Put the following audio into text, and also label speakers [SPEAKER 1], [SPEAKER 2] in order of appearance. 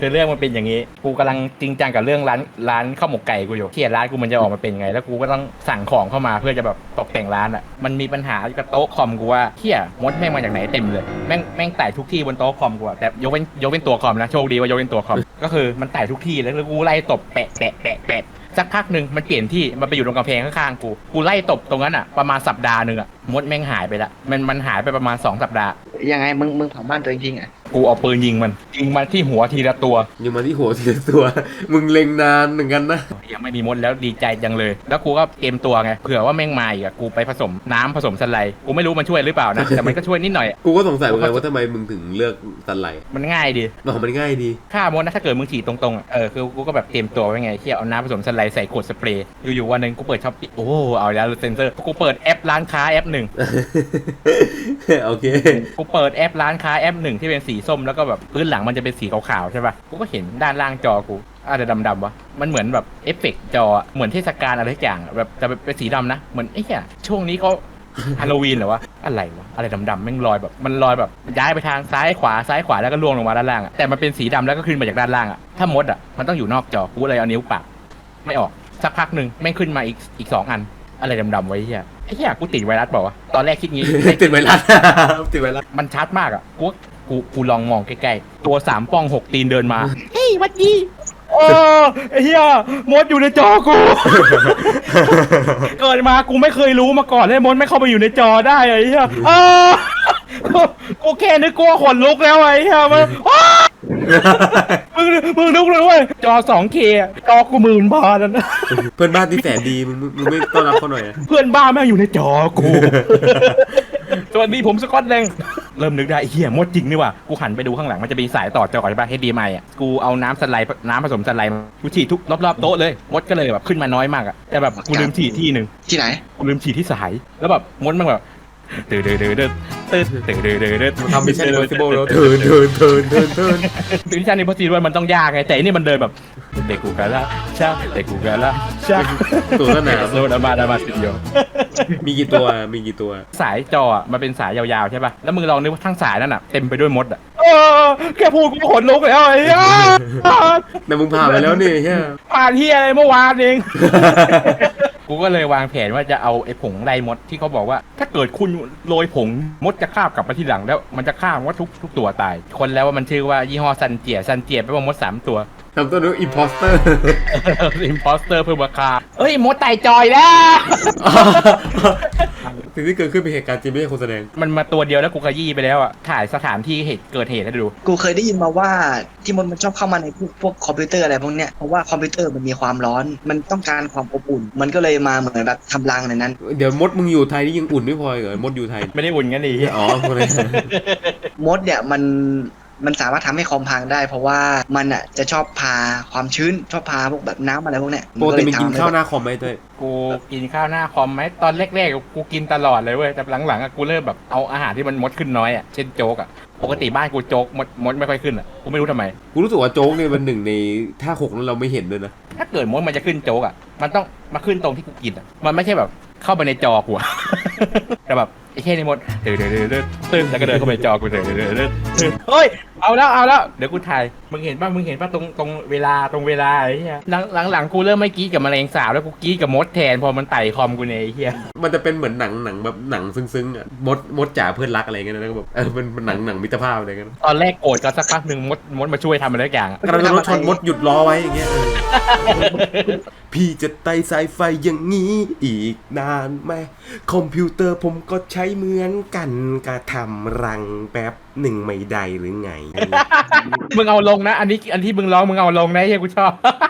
[SPEAKER 1] คือเรื่องมันเป็นอย่างนี้กูกำลังจริงจังกับเรื่องร้านข้าวหมกไก่กูอยู่เขียนร้านกูมันจะออกมาเป็นไงแล้วกูก็ต้องสั่งของเข้ามาเพื่อจะแบบตกแต่งร้านอ่ะมันมีปัญหากับโต๊ะคอมกูว่าเขี้ยมดแม่งมาจากไหนเต็มเลยแม่งไต่ทุกที่บนโต๊ะคอมกูอะแต่ยกเป็นตัวคอมนะโชคดีว่ายกเป็นตัวคอมก็คือมันไต่ทุกที่แล้วกูไล่ตบแปะสักพักหนึ่งมันเปลี่ยนที่มันไปอยู่ตรงกำแพงข้างๆกูไล่ตบตรงนั้นอ่ะประมาณสัปดาห์นึงอ่ะมดแม่งหายไปละมันหายไปประมาณ2 สัปดาห์
[SPEAKER 2] ยังไงมึงเผาบ้านตัวเองจริงอ่ะ
[SPEAKER 1] กูเอาปืนยิงมันที่หัวทีละตัว
[SPEAKER 3] ยิงมาที่หัวทีละตัวมึงเล็งนานเหมือนกันนะ
[SPEAKER 1] ยังไม่มีมดแล้วดีใจจังเลยแล้วกูก็เตรียมตัวไงเผื่อว่าแม่งมาอีกกูไปผสมน้ำผสมสไลด์กูไม่รู้มันช่วยหรือเปล่านะแต่มันก็ช่วยนิดหน่อย
[SPEAKER 3] กูก็สงสัยเหมือนกันว่าทำไมมึงถึงเลือกสันไหล
[SPEAKER 1] มันง่ายดี
[SPEAKER 3] มันง่ายดี
[SPEAKER 1] ฆ่ามดนะถ้าเกิดมึงฉีดตรงๆคือกูก็แบบเตรียมตัวไว้ไงที่เอาน้ำผสมสไลด์ใส่ขวดสเปรย์อยู่ๆวันนึงกูเปิดช้อปปี้โอ้เอาแล้วเซนเซอร์กูเปิดแอปร้านค้าแอปหนึ่ง
[SPEAKER 3] โอเค
[SPEAKER 1] กูเปิดแอปร้านค้าแอปหนึ่งที่เป็นสีส้มแล้วก็แบบพื้นหลังมันจะเป็นสีขาวๆใช่ป่ะกูก็เห็นด้านล่างจอกูอะไรดำๆวะมันเหมือนแบบเอฟเฟกต์จอเหมือนเทศกาลอะไรทุกอย่างแบบแต่เป็นสีดำนะเหมือนไอ้เหี้ยช่วงนี้เขาฮาโลวีนเหรอวะอะไรดำๆแม่งลอยแบบมันลอยแบบย้ายไปทางซ้ายขวาแล้วก็ล่วงลงมาด้านล่างแต่มันเป็นสีดำแล้วก็ขึ้นมาจากด้านล่างถ้ามดมันต้องอยู่นอกจอกูเลยเอานิ้วปักไม่ออกสักพักหนึ่งแม่งขึ้นมาอีก2 อันอะไรดำๆไว้เหี้ยไอ้เหี้ยกูติดไวรัสเปล่าวะตอนแรกคิดงี้
[SPEAKER 3] ติดไวรัส
[SPEAKER 1] มันชัดมากอ่ะกูลองมองใกล้ๆตัว3 ป้อง 6 ตีนเดินมาเฮ้ยวัดดีโอ้ไอ้เหี้ยมดอยู่ในจอกู เกิดมากูไม่เคยรู้มาก่อนเลยมดไม่เข้าไปอยู่ในจอได้ไอ้เหี้ยกูแค่นึกกลัวขนลุกแล้วไอ้เหี้ยมันมึงนึกเลยเว้ยจอ 2K จอกู10,000 บาทนะ
[SPEAKER 3] เพื่อนบ้านที่แสนดีมึงไม่ต้อนรับเขาหน่อย
[SPEAKER 1] เพื่อนบ้านแม่งอยู่ในจอกูสวัสดีผมสกอตแดงเริ่มนึกได้เฮียมดจริงนี่ว่ะกูหันไปดูข้างหลังมันจะมีสายต่อจอใช่ป่ะ HDMI อ่ะกูเอาน้ำผสมสไลด์กูฉีดทุกรอบๆโต๊ะเลยมดก็เลยแบบขึ้นมาน้อยมากอ่ะแต่แบบกูลืมฉีดที่นึง
[SPEAKER 2] ที่ไหน
[SPEAKER 1] กูลืมฉีดที่สายแล้วแบบมดมันแบบตื่น
[SPEAKER 3] ทำมิชชั่นอิมพอสซิเบิลแล้วเทิน
[SPEAKER 1] มิชชั่นอิมพอสซิเบิลมันต้องยากไงแต่นี่มันเดินแบบเด็กกูกันละช่าเด็กกูกันละช่า
[SPEAKER 3] ตัวหนา
[SPEAKER 1] โซนมาสตูดิโอ
[SPEAKER 3] มีกี่ตัว
[SPEAKER 1] สายจอมันเป็นสายยาวๆใช่ป่ะแล้วมึงลองนึกว่าทั้งสายนั่นอ่ะเต็มไปด้วยมดอ่ะแค่พูดกูขนลุกแล้วไอ้ย่า
[SPEAKER 3] แต่มึงผ่านไปแล้วนี่ใช่
[SPEAKER 1] ผ่านที่อะไรเมื่อวานเองกูก็เลยวางแผนว่าจะเอาไอ้ผงไล่มดที่เขาบอกว่าถ้าเกิดคุณโรยผงมดจะคาบกลับมาที่หลังแล้วมันจะฆ่ามดทุกตัวตายคนแล้วว่ามันชื่อว่ายี่ห้อซันเจียแปลว่ามด3 ตัว
[SPEAKER 3] ทำตัวนู้นอิมพอสเตอร์
[SPEAKER 1] เพิ่มราคาเอ้ยมดไต่จอยแล้ว
[SPEAKER 3] สิ่งที่เกิดขึ้นเป็นเหตุการณ์จริงไม่ใช่คนแสดง
[SPEAKER 1] มันมาตัวเดียวแล้วกูขยี้ไปแล้วอ่ะถ่ายสถานที่เกิดเหตุให้ดู
[SPEAKER 2] กูเคยได้ยินมาว่าที่มันชอบเข้ามาในพวกคอมพิวเตอร์อะไรพวกเนี้ยเพราะว่าคอมพิวเตอร์มันมีความร้อนมันต้องการความอบอุ่นมันก็เลยมาเหมือนแบบทำรังในนั้น
[SPEAKER 3] เดี๋ยวมดมึงอยู่ไทยนี่ยังอุ่นไม่พอเหรอมดอยู่ไทย
[SPEAKER 1] ไม่ได้อุ่นงั้นดิ
[SPEAKER 3] อ๋อคนเลย
[SPEAKER 2] มดเนี่ยมันสามารถทำให้คอมพังได้เพราะว่ามันอ่ะจะชอบพาความชื้นชอบพาพวกแบบน้ำอะไรพวกเนี้ย
[SPEAKER 3] ปกติมึงกินข้าวหน้าคอมไหมเต้ย
[SPEAKER 1] กูกินข้าวหน้าคอมไหมตอนแรกๆกูกินตลอดเลยเว้ยแต่หลังๆกูเริ่มแบบเอาอาหารที่มันมดขึ้นน้อยอ่ะเช่นโจ๊กอ่ะปกติบ้านกูโจ๊กมดไม่ค่อยขึ้นอ่ะกูไม่รู้ทำไม
[SPEAKER 3] กูรู้สึกว่าโจ๊กเนี่ยมันหนึ่งในท่า6นั้นเราไม่เห็นเลยนะ
[SPEAKER 1] ถ้าเกิดมดมันจะขึ้นโจ๊กอ่ะมันต้องมาขึ้นตรงที่กูกินอ่ะมันไม่ใช่แบบเข้าไปในจอกูแต่แบบไอ้แค่นี้มดตื่นแล้วก็เดินเข้าไปจอกูเฮ้ยเอาแล้วเดี๋ยวกูถ่ายมึงเห็นป่ะตรงเวลาไอ้เหี้ยหลังกูเริ่มไม่กี้กับแมลงสาบแล้วกูกี้กับมดแทนพอมันไต่คอมกูเนี่ยไอ้เหี้ย
[SPEAKER 3] มันจะเป็นเหมือนหนังแบบหนังซึ้งๆอ่ะมดจ๋าเพื่อนรักอะไรเงี้ยนะก็แบบเป็นหนังมิตรภาพอะไรเงี้ย
[SPEAKER 1] ตอนแรกโกรธกันสักพักนึงมดมาช่วยทำอะไรทุกอย่าง
[SPEAKER 3] กระโดดรถชนมดหยุดรอไว้อย่างเงี้ยพี่จะไต่สายไฟอย่างนี้อีกนานไหมคอมพิวเตอร์ผมก็ใช้เหมือนกันกระทำรังแป๊บหนึ่งไม่ได้หรือไง
[SPEAKER 1] มึงเอาลงนะอันที่มึงร้องมึงเอาลงนะเฮ้ยกูชอบ